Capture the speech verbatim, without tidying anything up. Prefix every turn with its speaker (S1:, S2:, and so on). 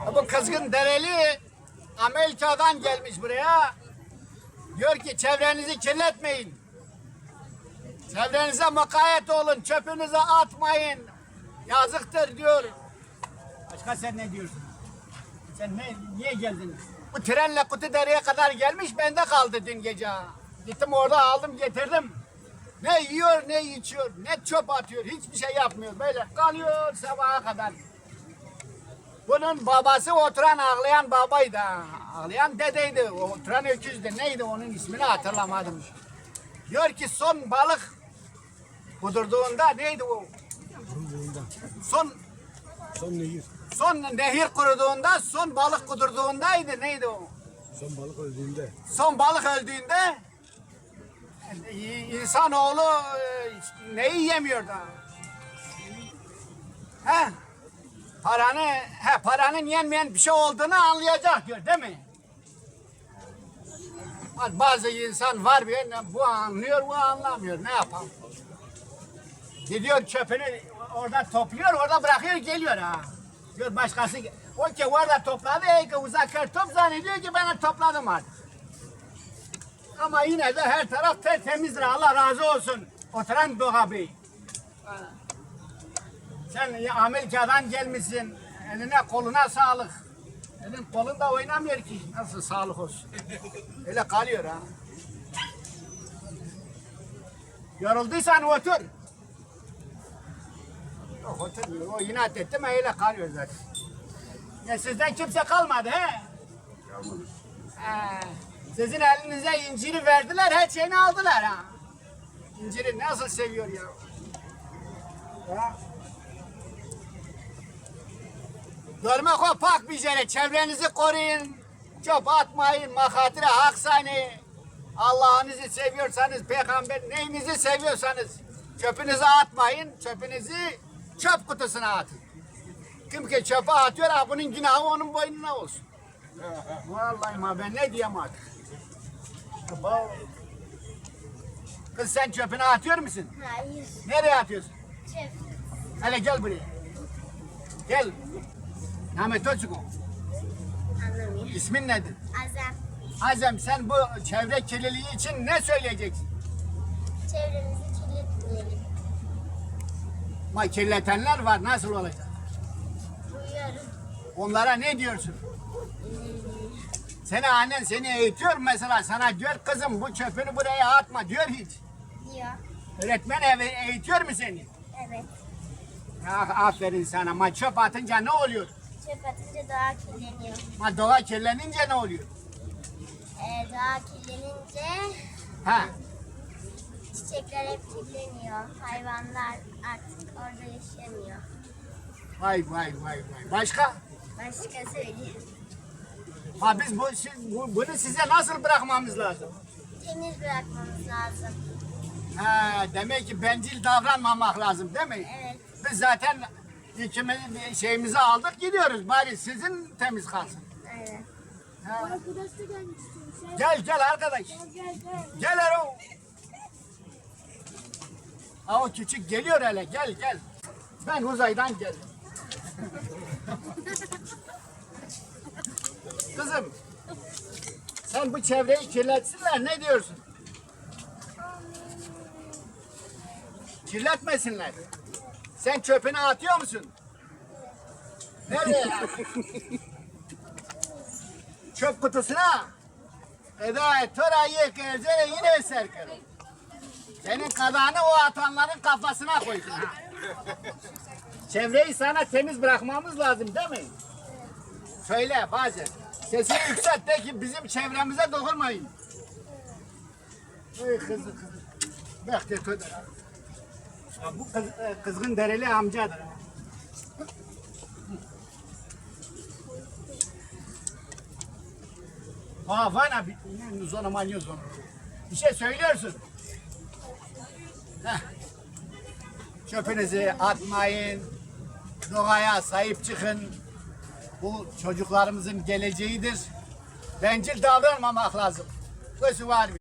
S1: Bu kızgın dereli Amerika'dan gelmiş buraya. Diyor ki çevrenizi kirletmeyin. Çevrenize mukayyet olun. Çöpünüzü atmayın. Yazıktır diyor. Başka sen ne diyorsun? Sen ne, niye geldin? Bu trenle Kutudere'ye kadar gelmiş, bende kaldı dün gece. Gittim orada aldım getirdim. Ne yiyor ne içiyor, ne çöp atıyor, hiçbir şey yapmıyor. Böyle kalıyor sabaha kadar. Bunun babası oturan ağlayan babaydı. Ağlayan dedeydi, oturan öküzdü. Neydi onun ismini hatırlamadım. Diyor ki son balık kudurduğunda neydi o? Son
S2: Son nehir.
S1: Son nehir kuruduğunda, son balık kudurduğundaydı. Neydi o?
S2: Son balık öldüğünde.
S1: Son balık öldüğünde insanoğlu e, neyi yemiyor da? He? Paranı, he, paranın yenmeyen bir şey olduğunu anlayacak diyor, değil mi? Bazı insan var bir, bu anlıyor, bu anlamıyor. Ne yapalım? Gidiyor çöpünü orada topluyor, orada bırakıyor, geliyor ha. Diyor başkası, o ki orada topladı, ey ki uzaklar top zannediyor ki ben topladım artık. Ama yine de her taraf tertemizdir, Allah razı olsun. Oturan Doğa Bey. Sen Amerika'dan gelmişsin, eline koluna sağlık. Elin kolun da oynamıyor ki, nasıl sağlık olsun. Öyle kalıyor ha. Yorulduysan otur. Yok oturmuyor, o inat etti mi öyle kalıyor zaten. Ya sizden kimse kalmadı he? Kalmadı. Ee, sizin elinize inciri verdiler, her şeyini aldılar ha. İnciri nasıl seviyor ya? Ya. Görmek o pak bir yere, çevrenizi koruyun, çöp atmayın, makatire haksani. Allah'ınızı seviyorsanız, peygamber neyinizi seviyorsanız çöpünüzü atmayın, çöpünüzü çöp kutusuna atın. Kim ki çöpe atıyor, ha, bunun günahı onun boynuna olsun. Vallahi ma ben ne diyeyim artık. Kız sen çöpünü atıyor musun?
S3: Hayır.
S1: Nereye atıyorsun?
S3: Çöp.
S1: Hele gel buraya. Gel. Ahmet Özçuk.
S3: Anlamıyor.
S1: İsmin nedir?
S3: Azem.
S1: Azem, sen bu çevre kirliliği için ne söyleyeceksin?
S3: Çevremizi kirletmeyelim.
S1: Ama kirletenler var, nasıl olacak?
S3: Uyuyorum.
S1: Onlara ne diyorsun? Seni annen seni eğitiyor mesela, sana diyor kızım bu çöpünü buraya atma diyor hiç.
S3: Diyor.
S1: Öğretmen ev eğitiyor mu seni?
S3: Evet.
S1: Ah, aferin sana, ama çöp atınca ne oluyor?
S3: Çöp atınca doğa kirleniyor.
S1: Ama doğa kirlenince ne oluyor?
S3: Ee, doğa kirlenince
S1: Ha,
S3: çiçekler hep kirleniyor. Hayvanlar artık orada yaşamıyor.
S1: vay vay vay vay. Başka?
S3: Başka söyleyeyim.
S1: Ha biz bu, bu bunu size nasıl bırakmamız lazım?
S3: Temiz bırakmamız lazım.
S1: Ha, demek ki bencil davranmamak lazım değil mi?
S3: Evet.
S1: Biz zaten ikimiz şeyimizi aldık gidiyoruz. Bari sizin temiz kalsın.
S3: Aynen.
S1: Ha.
S4: Arkadaş da gelmek istiyorum. Sen
S1: Gel gel arkadaş.
S4: gel gel gel.
S1: Gel Erol. Ha, o küçük geliyor hele, gel gel. Ben uzaydan geldim. Kızım, sen bu çevreyi kirletsinler ne diyorsun? Kirletmesinler. Sen çöpünü atıyor musun? Nereye? Çöp kutusuna. Eda torayı kerzere yine serker. Senin kadağını o atanların kafasına koysun. Ha. Çevreyi sana temiz bırakmamız lazım değil mi? Söyle bazen. Sesini yükselt de ki bizim çevremize dokunmayın. Ey kızı kızı. Bak de köder. Bu kız, kızgın dereli amcadır. Ha vana bir zona manyo zona. Bir şey söylüyorsun. Heh. Çöpünüzü atmayın. Doğaya sahip çıkın. Bu çocuklarımızın geleceğidir. Bencil davranmamak lazım. Bu var.